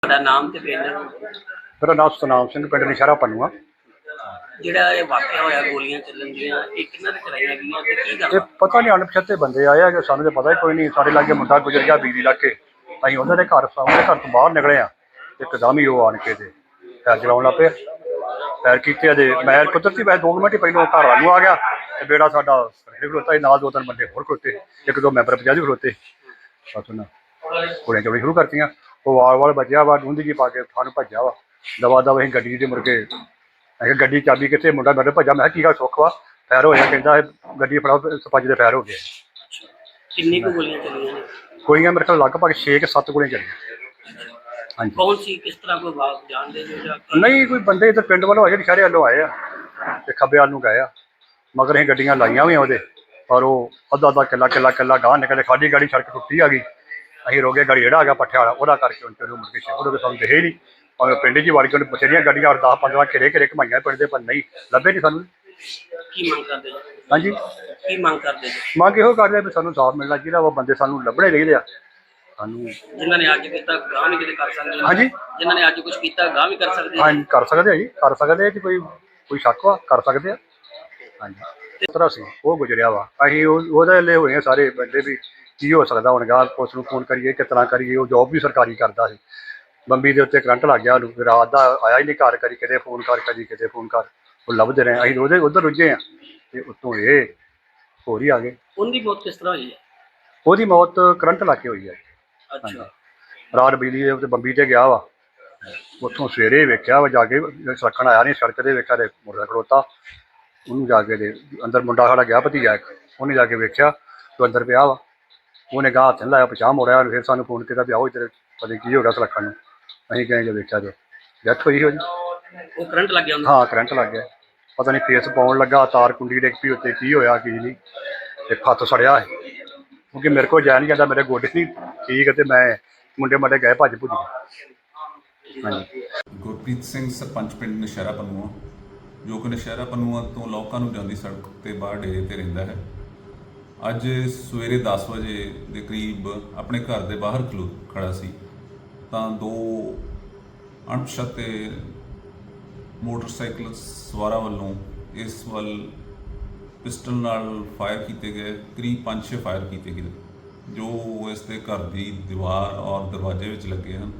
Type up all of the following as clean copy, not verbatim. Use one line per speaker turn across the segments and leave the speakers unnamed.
ਤੁਹਾਡਾ ਨਾਮ ਤੇ ਪਿੰਡ
ਮੇਰਾ ਨਾਮ ਸਤਨਾਮ ਸਿੰਘ, ਪਿੰਡ ਨਸ਼ਹਿਰਾ ਪੰਨੂਆ।
ਜਿਹੜਾ ਇਹ ਵਾਕਿਆ ਹੋਇਆ ਗੋਲੀਆਂ ਚੱਲਣ ਦੀਆਂ, ਇਹ ਕਿਹਨਾਂ ਨੇ ਚਲਾਈਆਂ ਗਈਆਂ ਤੇ ਕੀ
ਇਹ
ਕਰਨਾ?
ਪਤਾ ਨਹੀਂ ਅਣਪਛਾਤੇ ਬੰਦੇ ਆਏ ਆ, ਸਾਨੂੰ ਤਾਂ ਪਤਾ ਹੀ ਕੋਈ ਨਹੀਂ। ਸਾਡੇ ਲਾਗੇ ਮੁੰਡਾ ਗੁਜ਼ਰ ਗਿਆ ਬਿਜਲੀ ਲਾ ਕੇ, ਅਸੀਂ ਉਹਨਾਂ ਦੇ ਘਰ ਸਾਹਮਣੇ ਘਰ ਤੋਂ ਬਾਹਰ ਨਿਕਲੇ ਆ, ਇੱਕਦਮ ਹੀ ਉਹ ਆਣ ਕੇ ਤੇ ਪੈਰ ਚਲਾਉਣ ਲੱਗ ਪਏ। ਪੈਰ ਕੀਤੇ ਅਜੇ ਮੈਂ ਕੁਦਰਤੀ ਵੈਸੇ 2 ਮਿੰਟ ਹੀ ਪਹਿਲਾਂ ਘਰ ਵੱਲ ਨੂੰ ਆ ਗਿਆ ਤੇ ਬੇੜਾ ਸਾਡਾ ਖਲੋਤਾ ਸੀ, ਨਾਲ 2-3 ਬੰਦੇ ਹੋਰ ਖਲੋਤੇ, 1-2 ਮੈਂਬਰ ਪੰਜਾਬੀ ਖਲੋਤੇ। ਬਸ ਉਹਨਾਂ ਗੋਲੀਆਂ ਚਲਾਉਣੀ ਸ਼ੁਰੂ ਕਰਤੀਆਂ। ਉਹ ਵਾਲ ਬਚਿਆ ਵਾ, ਡੂੰਦੀ ਜੀ ਪਾ ਕੇ ਸਾਨੂੰ ਭੱਜਿਆ ਵਾ ਦਵਾ ਦਵਾ। ਅਸੀਂ ਗੱਡੀ ਦੇ ਮੁੜ ਕੇ ਅਸੀਂ ਗੱਡੀ ਚਾਬੀ ਕਿੱਥੇ, ਮੁੰਡਾ ਮੇਰੇ ਭੱਜਾ। ਮੈਂ ਕਿਹਾ ਕੀ ਗੱਲ ਸੁੱਖ ਵਾ, ਫੈਰ ਹੋਇਆ? ਕਹਿੰਦਾ ਗੱਡੀ ਫੜਾਓ, ਸਪੰਜ ਦੇ ਫੈਰ ਹੋ ਗਏ।
ਕਿੰਨੀ ਕੁ ਗੋਲੀਆਂ ਚੱਲੀਆਂ ਨੇ?
ਗੋਲੀਆਂ ਮੇਰੇ ਕੋਲ ਲਗਭਗ 6-7 ਗੋਲੀਆਂ ਚੱਲੀਆਂ। ਹਾਂਜੀ।
ਕੌਣ ਸੀ, ਕਿਸ ਤਰ੍ਹਾਂ ਕੋਈ ਬਾਤ ਜਾਣਦੇ ਜੋ ਜਾਂ
ਨਹੀਂ, ਕੋਈ ਬੰਦੇ ਇੱਧਰ ਪਿੰਡ ਵੱਲੋਂ ਆਏ, ਸ਼ਹਿਰੇ ਵੱਲੋਂ ਆਏ ਆ ਤੇ ਖੱਬੇ ਵੱਲ ਨੂੰ ਗਏ ਆ, ਮਗਰ ਅਸੀਂ ਗੱਡੀਆਂ ਲਾਈਆਂ ਹੋਈਆਂ ਉਹਦੇ, ਪਰ ਉਹ ਅੱਧਾ ਕਿੱਲਾ ਗਾਂਹ ਨਿਕਲੇ। ਸਾਡੀ ਗਾੜੀ ਸੜਕ ਟੁੱਟੀ ਆ ਗਈ, ਅਸੀਂ ਰੋਕੇ ਗਾੜੀ ਜਿਹੜਾ ਆ ਗਿਆ ਪੱਠਿਆ ਵਾਲਾ, ਉਹਦਾ ਕਰਕੇ ਉਹਨੂੰ ਮੁੜ ਕੇ ਸ਼ਹਿਰ ਸਾਨੂੰ ਦਿਖੇ ਹੀ ਨਹੀਂ। ਭਾਵੇਂ ਪਿੰਡ 'ਚ ਹੀ ਵੜ ਕੇ ਉਹਨੇ ਬਥੇਰੀਆਂ ਗੱਡੀਆਂ 10-15 ਘੇਰੇ ਘਮਾਈਆਂ ਪਿੰਡ ਦੇ, ਪਰ ਨਹੀਂ ਲੱਭੇ ਨਹੀਂ ਸਾਨੂੰ।
ਕੀ ਮੰਗ ਕਰਦੇ ਜੀ?
ਹਾਂਜੀ,
ਕੀ ਮੰਗ ਕਰਦੇ ਜੀ?
ਮੰਗ ਇਹੋ ਕਰਦੇ ਆ ਵੀ ਸਾਨੂੰ ਸਾਫ਼ ਮਿਲਣਾ ਚਾਹੀਦਾ ਵਾ, ਬੰਦੇ ਸਾਨੂੰ ਲੱਭਣੇ ਚਾਹੀਦੇ ਆ ਸਾਨੂੰ।
ਜਿਨ੍ਹਾਂ ਨੇ ਅੱਜ ਕੀਤਾ ਗਾਂਹ ਵੀ ਕਿਤੇ ਕਰ ਸਕਦੇ?
ਹਾਂਜੀ,
ਜਿਨ੍ਹਾਂ ਨੇ ਅੱਜ ਕੁਝ ਕੀਤਾ ਗਾਂਹ ਵੀ ਕਰ ਸਕਦੇ?
ਹਾਂਜੀ ਕਰ ਸਕਦੇ ਆ ਜੀ, ਕਰ ਸਕਦੇ ਆ ਜੀ। ਕੋਈ ਸ਼ੱਕ ਵਾ, ਕਰ ਸਕਦੇ ਆ। ਹਾਂਜੀ, ਇਸ ਤਰ੍ਹਾਂ ਸੀ ਉਹ ਗੁਜ਼ਰਿਆ ਵਾ। ਅਸੀਂ ਉਹਦੇ ਲਈ ਹੋਏ ਆ ਸਾਰੇ ਬੰਦੇ ਵੀ ਕੀ ਹੋ ਸਕਦਾ ਹੁਣ ਗਾਂ, ਪੁਲਿਸ ਨੂੰ ਫੋਨ ਕਰੀਏ ਕਿਸ ਤਰ੍ਹਾਂ ਕਰੀਏ। ਉਹ ਜੋਬ ਵੀ ਸਰਕਾਰੀ ਕਰਦਾ ਸੀ। ਬੰਬੀ ਦੇ ਉੱਤੇ ਕਰੰਟ ਲੱਗ ਗਿਆ ਉਹਨੂੰ, ਰਾਤ ਦਾ ਆਇਆ ਹੀ ਨਹੀਂ ਘਰ, ਕਦੀ ਕਿਤੇ ਫੋਨ ਕਰ, ਕਦੀ ਕਿਤੇ ਫੋਨ ਕਰ। ਉਹ ਲੱਭਦੇ ਰਹੇ, ਅਸੀਂ ਉਹਦੇ ਉੱਧਰ ਰੁੱਝੇ ਆ ਤੇ ਉੱਤੋਂ ਇਹ ਹੋਰ ਹੀ ਆ ਗਏ।
ਉਹਦੀ ਮੌਤ ਕਿਸ ਤਰ੍ਹਾਂ ਹੋਈ ਹੈ?
ਉਹਦੀ ਮੌਤ ਕਰੰਟ ਲੱਗ ਕੇ ਹੋਈ ਹੈ।
ਅੱਛਾ।
ਰਾਤ ਬਿਜਲੀ ਦੇ ਉੱਤੇ ਬੰਬੀ ਤੇ ਗਿਆ ਵਾ, ਉੱਥੋਂ ਸਵੇਰੇ ਵੇਖਿਆ ਵਾ ਜਾ ਕੇ, ਸੜਕਣ ਆਇਆ ਨਹੀਂ, ਸੜਕ ਤੇ ਵੇਖਿਆ ਤੇ ਮੁੰਡਾ ਖੜੋਤਾ। ਉਹਨੂੰ ਜਾ ਕੇ ਦੇ ਅੰਦਰ, ਮੁੰਡਾ ਸਾਡਾ ਗਿਆ ਭਤੀਜਾ ਇੱਕ, ਉਹਨੇ ਜਾ ਕੇ ਵੇਖਿਆ ਤੂੰ ਅੰਦਰ ਪਿਆ ਵਾ। ਉਹਨੇ ਗਾਹ ਹੱਥ ਨਹੀਂ ਲਾਇਆ, ਪਛਾਣ ਮੋੜਿਆ, ਫਿਰ ਸਾਨੂੰ ਫੋਨ ਕੀਤਾ ਵੀ ਆਓ ਇੱਧਰ, ਪਤਾ ਕੀ ਹੋ ਗਿਆ ਸੁਲੱਖਣ ਨੂੰ। ਅਸੀਂ ਗਏ ਜੇ ਵੇਖਿਆ ਤੇ ਡੈਥ ਹੋਈ ਉਹਦੀ।
ਉਹ ਕਰੰਟ ਲੱਗ ਗਿਆ ਉਹਨੂੰ?
ਹਾਂ, ਕਰੰਟ ਲੱਗ ਗਿਆ। ਪਤਾ ਨਹੀਂ ਫੇਸ ਪਾਉਣ ਲੱਗਾ, ਤਾਰ ਕੁੰਡੀ ਡਿੱਗ ਪਈ ਉੱਤੇ, ਕੀ ਹੋਇਆ ਕੀ ਨਹੀਂ। ਇੱਕ ਹੱਥ ਸੜਿਆ ਹੈ, ਕਿਉਂਕਿ ਮੇਰੇ ਕੋਲ ਜਾ ਨਹੀਂ ਜਾਂਦਾ, ਮੇਰੇ ਗੋਡੇ ਨਹੀਂ ਠੀਕ ਤੇ ਮੈਂ ਮੁੰਡੇ ਮਾਡੇ ਗਏ ਭੱਜ ਭੁੱਜ ਗਏ। ਹਾਂਜੀ।
ਗੁਰਪ੍ਰੀਤ ਸਿੰਘ, ਸਰਪੰਚ ਪਿੰਡ ਨਸ਼ਹਿਰਾ ਪੰਨੂਆ, ਜੋ ਕਿ ਨਸ਼ਹਿਰਾ ਪੰਨੂਆ ਤੋਂ ਲੋਕਾਂ ਨੂੰ ਜਾਂਦੀ ਸੜਕ ਤੇ ਬਾਹਰ ਡੇਰੇ ਤੇ ਰਹਿੰਦਾ ਹੈ। ਅੱਜ ਸਵੇਰੇ 10 ਵਜੇ ਦੇ ਕਰੀਬ ਆਪਣੇ ਘਰ ਦੇ ਬਾਹਰ ਖੜਾ ਸੀ ਤਾਂ 2 ਅਣਪਛਾਤੇ ਮੋਟਰਸਾਈਕਲ ਸਵਾਰਾਂ ਵੱਲੋਂ ਇਸ ਵੱਲ ਪਿਸਟਲ ਨਾਲ ਫਾਇਰ ਕੀਤੇ ਗਏ। ਕਰੀਬ 5-6 ਫਾਇਰ ਕੀਤੇ ਗਏ ਜੋ ਇਸ ਦੇ ਘਰ ਦੀ ਦੀਵਾਰ ਔਰ ਦਰਵਾਜ਼ੇ ਵਿੱਚ ਲੱਗੇ ਹਨ।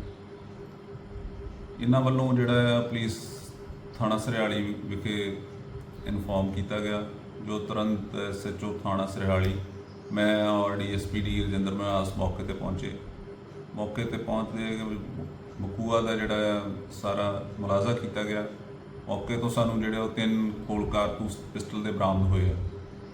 ਇਹਨਾਂ ਵੱਲੋਂ ਜਿਹੜਾ ਪੁਲਿਸ ਥਾਣਾ ਸਰਿਆਲੀ ਵਿਖੇ ਇਨਫੋਰਮ ਕੀਤਾ ਗਿਆ, ਜੋ ਤੁਰੰਤ SHO ਥਾਣਾ ਸਰਿਆਲੀ, ਮੈਂ ਔਰ DSP ਰਜਿੰਦਰ ਮਹਾਸ ਮੌਕੇ ਤੇ ਪਹੁੰਚੇ। ਮੌਕੇ ਤੇ ਪਹੁੰਚਦੇ ਬਕੂਆ ਦਾ ਜਿਹੜਾ ਸਾਰਾ ਮੁਲਾਜ਼ਾ ਕੀਤਾ ਗਿਆ। ਮੌਕੇ ਤੋਂ ਸਾਨੂੰ ਜਿਹੜੇ ਉਹ 3 ਖੋਲ ਕਾਰਤੂਸ ਪਿਸਟਲ ਦੇ ਬਰਾਮਦ ਹੋਏ ਆ।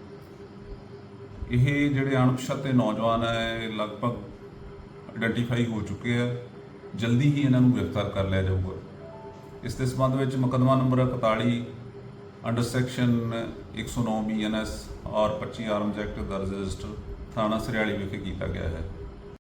ਇਹ ਜਿਹੜੇ ਅਣਪਛਾਤੇ ਨੌਜਵਾਨ ਹੈ ਲਗਭਗ ਆਇਡੈਂਟੀਫਾਈ ਹੋ ਚੁੱਕੇ ਆ, ਜਲਦੀ ਹੀ ਇਹਨਾਂ ਨੂੰ ਗ੍ਰਿਫਤਾਰ ਕਰ ਲਿਆ ਜਾਊਗਾ। ਇਸ ਦੇ ਸੰਬੰਧ ਵਿੱਚ ਮੁਕੱਦਮਾ ਨੰਬਰ 41 ਅੰਡਰ ਸੈਕਸ਼ਨ 109 BNS ਔਰ 25 ਆਰਮਜ਼ ਐਕਟ ਦਰਜ ਰਜਿਸਟਰ ਥਾਣਾ ਸਰਿਆਲੀ ਵਿਖੇ ਕੀਤਾ ਗਿਆ ਹੈ।